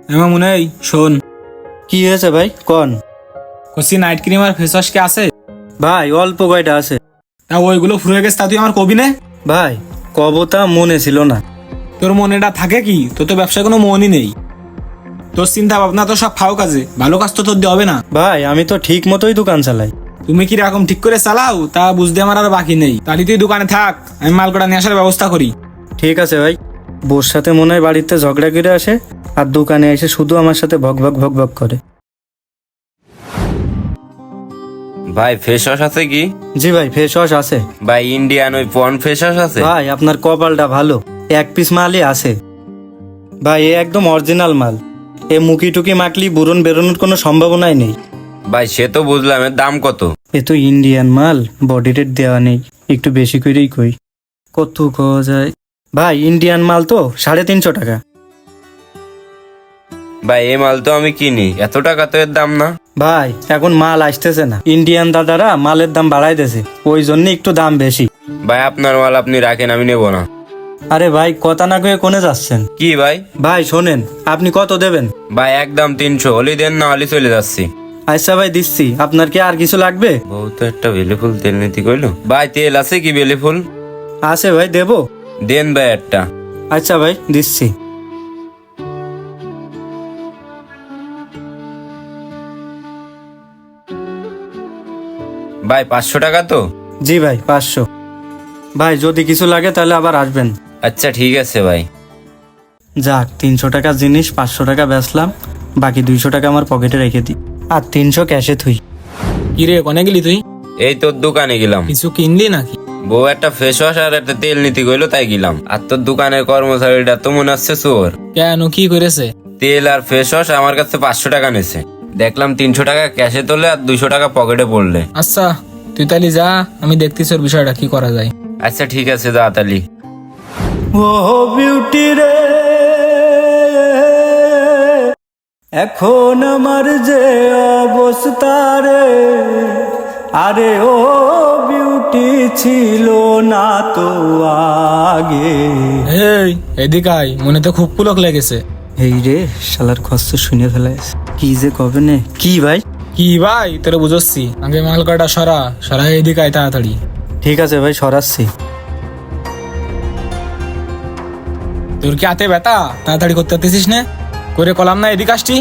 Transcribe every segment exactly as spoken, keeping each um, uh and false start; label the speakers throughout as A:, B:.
A: এমন মনে হয় শোন,
B: কি হয়েছে ভাই কন?
A: কষি নাইট ক্রিম আর ফেস ওয়াশ কি আছে?
B: ভাই অল্প কয়টা আছে।
A: তা ওইগুলো ফুরে গেছে, তা তুই আমার কবি নে।
B: ভাই কবতা মনে ছিল না।
A: তোর মনেটা থাকে কি? তোর তো ব্যবসায় কোনো মনই নেই। তোর চিন্তা ভাবনা তো সব ফাও কাজে, ভালো কাজ তো তোর দিয়ে হবে না।
B: ভাই আমি তো ঠিক মতোই দোকান চালাই।
A: তুমি কি রকম ঠিক করে চালাও তা বুঝতে আমার আর বাকি নেই। তাহলে তুই দোকানে থাক, আমি মাল কটা নিয়ে আসার ব্যবস্থা করি।
B: ঠিক আছে ভাই। বোর সাথে মনে হয় বাড়িতে ঝগড়া করে আসে, আর দোকানে এসে শুধু আমার সাথে ভক ভক ভক ভক করে।
C: ভাই ফেস ওয়াশ আছে কি?
B: জি ভাই ফেস ওয়াশ আছে।
C: ভাই ইন্ডিয়ান ওই পন ফেস ওয়াশ আছে?
B: ভাই আপনার কপালটা ভালো, এক পিস মালই আছে। ভাই এ একদম অরিজিনাল মাল। এ মুখি টুকি মাখলি বুরন বেরোনোর কোনো সম্ভাবনাই নেই।
C: ভাই সে তো বুঝলাম, এর দাম কত?
B: এ তো ইন্ডিয়ান মাল, বডি রেট দেওয়া নেই, একটু বেশি করেই কই। কত খাওয়া যায়? ভাই ইন্ডিয়ান মাল তো সাড়ে তিনশো টাকা।
C: ভাই এই মাল তো আমি কিনি, এত টাকা তো এর দাম না।
B: ভাই এখন মাল আসতেছে না, ইন্ডিয়ান দাদারা মালের দাম বাড়াই দিয়েছে, ওই জন্য একটু দাম বেশি।
C: ভাই আপনার মাল আপনি রাখেন, আমি নেবো না।
B: আরে ভাই কথা না কয়ে কোনে যাচ্ছেন?
C: কি ভাই?
B: ভাই শোনেন, আপনি কত দেবেন?
C: ভাই একদম তিনশো হলি দেন, না হলে চলে যাচ্ছি।
B: আচ্ছা ভাই দিচ্ছি, আপনার কি আর কিছু লাগবে?
C: বহুত একটা বেলেফুল তেল নীতি কইলো। ভাই তেল আছে কি বেলেফুল?
B: আছে ভাই দেবো।
C: দেন ভাই একটা।
B: আচ্ছা ভাই দিচ্ছি।
C: ভাই পাঁচশো টাকা তো?
B: জি ভাই পাঁচশো। ভাই যদি কিছু লাগে তাহলে আবার আসবেন।
C: আচ্ছা ঠিক আছে ভাই।
B: যাক তিনশো টাকার জিনিস পাঁচশো টাকা বেচলাম, বাকি দুইশো টাকা আমার পকেটে রেখে দিই, আর তিনশো ক্যাশে থুই।
A: কি রে, কনে গেলি তুই?
C: এই তোর দোকানে গেলাম।
A: কিছু কিনলি নাকি?
C: বউ একটা ফেস ওয়াশ আর একটা তেল নীতি কইলো, তাই গেলাম। আর তোর দোকানের কর্মচারীটা তো মনে হচ্ছে চোর।
A: কেন, কি করেছে?
C: তেল আর ফেস ওয়াশ আমার কাছে পাঁচশো টাকা নিছে, দেখলাম তিনশো টাকা ক্যাশে তোলে আর দুইশো টাকা পকেটে পড়লে।
A: আচ্ছা তুই তাহলে যা, আমি দেখতেছি ওর বিষয়টা কি করা যায়।
C: আচ্ছা ঠিক আছে যা তালি।
B: ও বিউটি রে, এখন আমার যে অবস্থা রে, আরে ও বিউটি ছিল না তো আগে।
A: এই এদিকে আয়, মনে তো খুব পুলক লেগেছে।
B: এই রে শালার কষ্ট শুনে ফেলাইছে, কি যে কবে নে। কি ভাই?
A: কি ভাই তোরা বুঝছি, আগে মাল কটা সরা সরা, এদিকে আয় তাড়াতাড়ি।
B: ঠিক আছে ভাই সরাচ্ছি।
A: তোর কি হাতে ব্যথা? তাড়াতাড়ি করতে পারতেছিস না? করে কলাম না, এদিকে আসছি।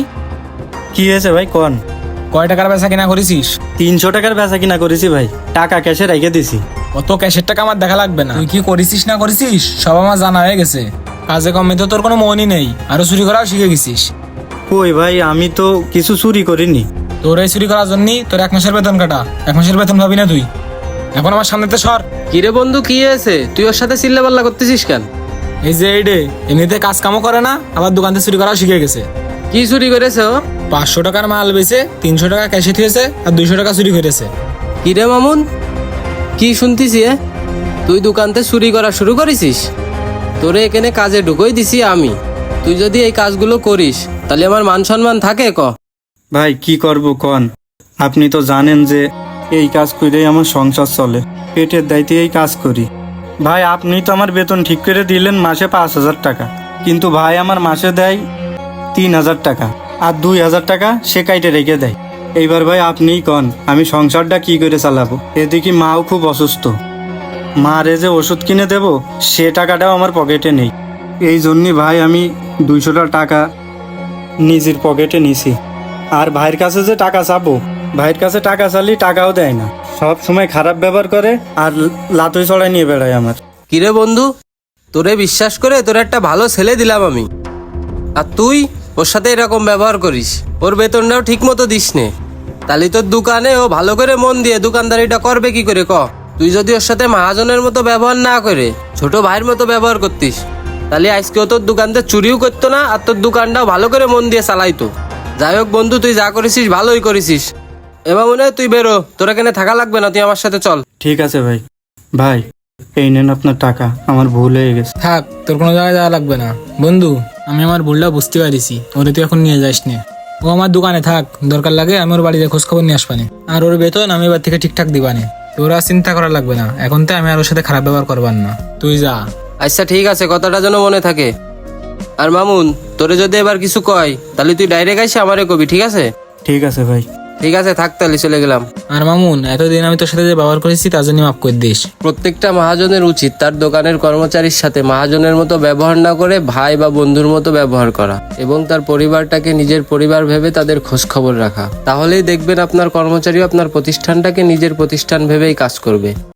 B: কি হয়েছে ভাই কন?
A: কয় টাকার বেচা কিনা করেছিস?
B: তিনশো টাকার বেচা কিনা করেছি ভাই, টাকা ক্যাশে রেখে দিছি।
A: অত ক্যাশের টাকা আমার দেখা লাগবে না, তুই কি করেছিস না করেছিস সব আমার জানা হয়ে গেছে। কাজে কমে তো তোর কোনো মনই নেই, আরো চুরি করাও শিখে গেছিস।
B: কই ভাই আমি তো কিছু চুরি করিনি।
A: তোর এই চুরি করার জন্যই তোর এক মাসের বেতন কাটা। এক মাসের বেতন ভাবি না তুই? এখন আমার সামনেতে সর।
D: কিরে বন্ধু কি হয়েছে? তুই ওর সাথে চিল্লা পাল্লা করতেছিস কেন?
A: এই যে এই ডে এমনিতে কাজ কামও করে না, আবার দোকান থেকে চুরি করাও শিখে গেছে।
D: কি চুরি করেছে ও?
A: পাঁচশো টাকার মাল বেচে তিনশো টাকা ক্যাশে থিয়েছে আর দুইশো টাকা চুরি করেছে।
D: কিরে মামুন, কি শুনতিছি এ? তুই দোকানতে চুরি করা শুরু করেছিস? তোরে এখানে কাজে ঢুকোই দিছি আমি। তুই যদি এই কাজগুলো করিস তাহলে আমার মান সম্মান থাকে ক?
B: ভাই কি করব কন, আপনি তো জানেন যে এই কাজ করেই আমার সংসার চলে, পেটের দায়িত্বে এই কাজ করি। ভাই আপনি তো আমার বেতন ঠিক করে দিলেন মাসে পাঁচ হাজার টাকা, কিন্তু ভাই আমার মাসে দেয় তিন হাজার টাকা, আর দুই হাজার টাকা সে কাইটে রেখে দেয়। এইবার ভাই আপনিই কন আমি সংসারটা কি করে চালাবো? এদিকে মাও খুব অসুস্থ, মারে যে ওষুধ কিনে দেব সে টাকাটাও আমার পকেটে নেই। এই জন্যই ভাই আমি দুইশোটা টাকা নিজের পকেটে নিছি। আর ভাইয়ের কাছে যে টাকা চাবো, ভাইয়ের কাছে টাকা চালি টাকাও দেয় না, সব সময় খারাপ ব্যবহার করে আর লাতুই চড়াই নিয়ে বেড়ায় আমার।
D: কিরে বন্ধু, তোরে বিশ্বাস করে তোর একটা ভালো ছেলে দিলাম আমি, আর তুই ওর সাথে এরকম ব্যবহার করিস। ওর বেতনটাও ঠিক মতো দিস নে, তাহলে তোর দোকানে ও ভালো করে মন দিয়ে দোকানদারিটা করবে কি করে ক? তুই যদি ওর সাথে মহাজনের মতো ব্যবহার না করে ছোট ভাইয়ের মতো ব্যবহার করতিস, তাহলে আজকেও তোর দোকানতে চুরিও করতো না, আর তোর দোকানটাও ভালো করে মন দিয়ে চালাইতো। যাই হোক বন্ধু, তুই যা করেছিস ভালোই করেছিস। এবার মনে হয় তুই বেরো, তোর এখানে থাকা লাগবে না, তুই আমার সাথে চল।
B: ঠিক আছে ভাই। ভাই এই নেন আপনার টাকা, আমার ভুল হয়ে গেছে।
A: থাক, তোর কোনো জায়গায় যাওয়া লাগবে না বন্ধু, আমি আমার ভুলটা বুঝতে পারিছি। ওরে তুই এখন নিয়ে যাস নে, ও আমার দোকানে থাক, দরকার লাগে আমি ওর বাড়িতে খোঁজ খবর নিয়ে আসবানে, আর ওর বেতন আমি এবার থেকে ঠিকঠাক দিবানে। তোর আর চিন্তা করা লাগবে না, এখন তো আমি আর ওর সাথে খারাপ ব্যবহার করবার না, তুই যা।
D: আচ্ছা ঠিক আছে, কথাটা যেন মনে থাকে। আর মামুন, তোরে যদি এবার কিছু কয় তাহলে তুই ডাইরেক্ট আইসে আমারে কবি, ঠিক আছে?
B: ঠিক আছে ভাই।
D: ঠিক আছে, থাক তাহলে, চলে গেলাম।
A: আর মামুন, এতদিন আমি তোর সাথে যে ব্যবহার করেছি তার জন্য মাফ করে দিস।
D: প্রত্যেকটা মহাজনের উচিত তার দোকানের কর্মচারীর সাথে মহাজনের মতো ব্যবহার না করে ভাই বা বন্ধুর মতো ব্যবহার করা এবং তার পরিবারটাকে নিজের পরিবার ভেবে তাদের খোঁজ খবর রাখা। তাহলেই দেখবেন আপনার কর্মচারী আপনার প্রতিষ্ঠানটাকে নিজের প্রতিষ্ঠান ভেবেই কাজ করবে।